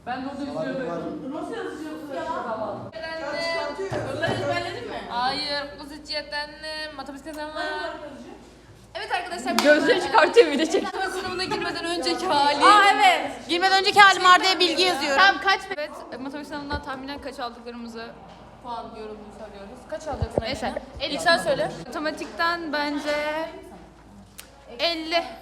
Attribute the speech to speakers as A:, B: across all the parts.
A: Ben de orada izliyordum. Nasıl yazacaksın ya?
B: Bunları ezberledin mi?
A: Hayır. Kız içiyeten matematik kazanma. Evet arkadaşlar.
B: Gözlüğü çıkartıyor bir de çek.
A: Matematik sınavına girmeden önceki hali.
B: Aa evet. Girmeden önceki halim Arda'ya bilgi yazıyorum.
A: Tam kaç? Evet. Matematik sınavından tahminen kaç aldıklarımızı puan yorumunu söylüyoruz. Kaç alacaksın? Neyse. İlk sen söyle. Matematikten bence 50.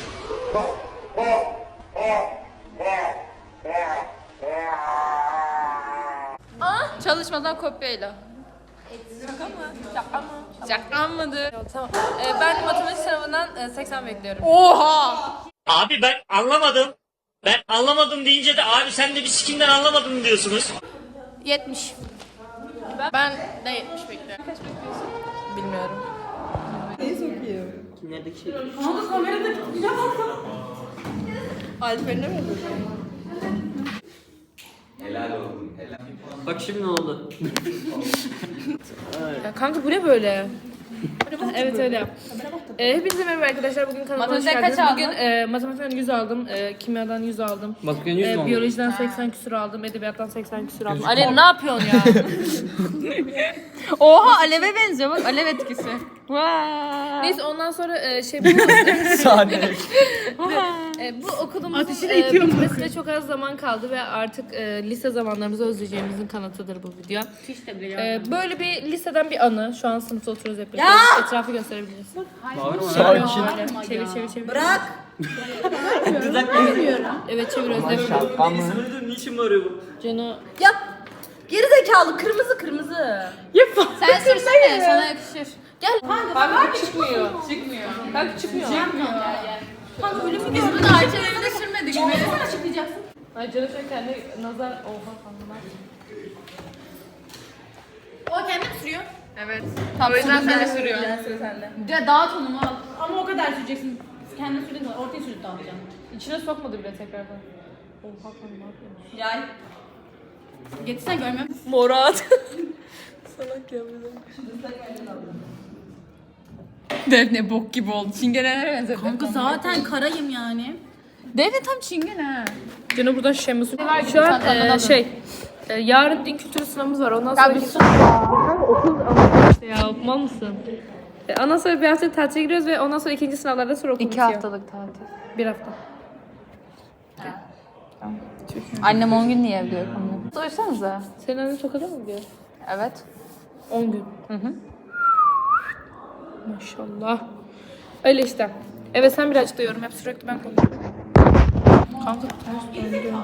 A: Çalışmadan kopyayla. Şaka mı? Şaka mı? Şaka mıdır? Tamam. Ben matematik sınavından 80 bekliyorum.
B: Oha!
C: Abi ben anlamadım. Ben anlamadım deyince de abi sen de bir sikimden anlamadın mı diyorsunuz?
B: 70. Ben de 70 bekliyorum.
A: Kaç bekliyorsun? Bilmiyorum.
C: Kimlerdeki şey?
B: Alper'ine mi?
D: Helal olsun, helal.
C: Bak şimdi ne oldu?
A: Ya kanka bu ne böyle? Evet öyle yap. Hepinize merhaba arkadaşlar. Bugün kanalıma hoş geldiniz. Bugün matematikten 100 aldım, kimyadan 100 aldım.
C: Bakın 100 mü oldu?
A: Biyolojiden 80 küsur aldım, edebiyattan 80 küsur aldım. Ali ne yapıyorsun ya?
B: Oha aleve benziyor bak alev etkisi. Vay.
A: Neyse ondan sonra bu okulumuzun bitmesine çok az zaman kaldı ve artık lise zamanlarımızı özleyeceğimizin kanıtıdır bu video. Böyle bir liseden bir anı. Şu an sınıfta oturuyoruz hep birlikte. Etrafı gösterebiliriz. Çevir.
B: Bırak.
A: Evet çevir Özlem.
C: Niçin bağırıyor bu?
A: Cano.
B: Yap. Geri zekalı kırmızı.
A: Sen sürsene sana yakışır. Gel. Kanka çıkmıyor. Kanka çıkmıyor.
B: Kanka öyle mi
A: Biz
B: gördün?
A: bunu Ayça'yla sürmedik mi?
B: Sana açıklayacaksın.
A: Ay Cano şöyle kendi nazar oha kanka.
B: O kendi mi sürüyor?
A: Evet. O yüzden sen de sürüyor.
B: Ya dağıt onu al. Ama o kadar süreceksin. Kendin sürdün mü? Ortaya sürüp dağıtacaksın.
A: İçine sokmadı bile tekrardan. Oha kanka ne yapıyorsun?
B: Yay. Getirsen görmüyorum.
A: Morat. Salak ya bize.
B: Defne bok gibi oldu. Çingenelere benzer. Kanka zaten karayım yani. Defne tam çingene.
A: Cano buradan şişemiz. Şu an yarın din kültürü sınavımız var. Ondan sonra okul işte ya mal mısın? Ondan sonra bir hafta tatile giriyoruz ve ondan sonra ikinci sınavlardan sonra okul bitiyor.
B: 2 haftalık tatil.
A: 1 hafta.
B: Annem 10 gün niye evde yok onu? Sorsanıza.
A: Senin annen Tokat'a mı gidiyor?
B: Evet.
A: 10 gün. Maşallah. Öyle işte. Evet sen birazcık da yorum yap. Sürekli ben konuşuyorum. Kanka ters döndü.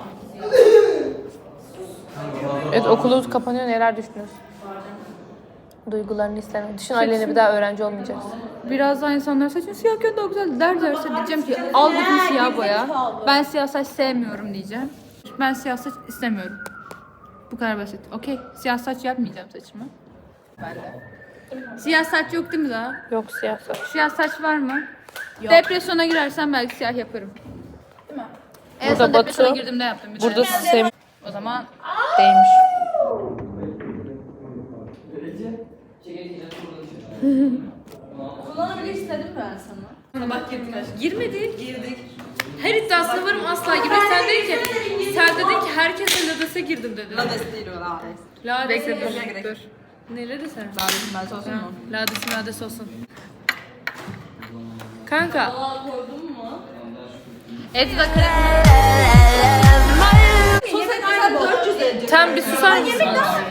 A: Evet okulumuz kapanıyor. Neler düşünüyorsun? Duygularını hislerini. Düşün aileyle bir daha öğrenci olmayacağız.
E: Birazdan insanlar saçın siyahken daha güzel derse diyeceğim ki al bakayım siyah boya. Ben siyah saç sevmiyorum diyeceğim. Ben siyah saç istemiyorum. Bu kadar basit. Okey. Siyah saç yapmayacağım saçımı. Ben de. Siyah saç yok değil mi daha?
A: Yok siyah saç.
E: Siyah saç var mı? Yok. Depresyona girersen belki siyah yaparım. Değil mi? En
A: Burada
E: son depresyona
A: Batu,
E: girdiğimde yaptım. bir
A: Burada
E: tane.
A: sistem
E: O zaman
A: değilmiş.
B: Kullanabilir istedim ben sana.
E: bak girdik aşkım.
A: Girdik. Her iddiasına varım asla girmek. Sen dedin ki herkese Lades'e girdim dedin.
B: Lades değil o lades.
A: Lades.
E: Bekle,
A: Dur. Neleri sen?
B: Ladesin ben olsun mu?
A: Lades olsun. Kanka.
B: Aa koydun mu?
A: Eti de
B: Sosyal kadar 400 edecek.
A: Tam bir susar mısın?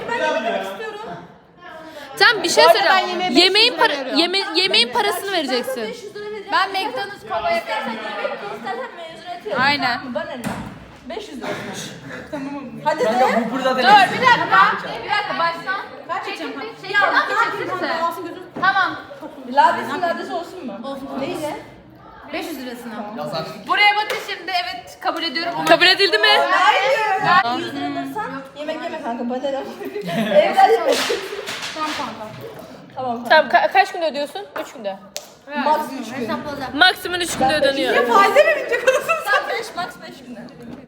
A: Tam bir şey söyleyeceğim. Yemeğin parasını vereceksin.
B: Ben McDonald's kova yaparsan yemek istersen mezuniyet
E: Aynen.
B: Bana ne? 500 lira. Tamam. Hadi de.
C: Bu burada
E: Dur bir dakika baştan.
B: Kaç edeceğim?
E: Yandan bir çeksenize. Tamam.
B: Lades olsun mu? Olsun. Neyle?
E: 500 lirasına. Buraya bakın şimdi evet kabul ediyorum.
A: Kabul edildi mi?
B: Hayır. 100 lira alırsan yemek yeme kanka bana ne? Evden yemek.
E: Tamam kanka.
B: Tamam.
A: Tamam kaç günde ödüyorsun? 3 günde.
B: Max 3 gün.
E: Hesapladım.
A: Maksimum 3 günde ödeniyor.
B: Faize mi binecek olursun sen? 5 max 5 gün.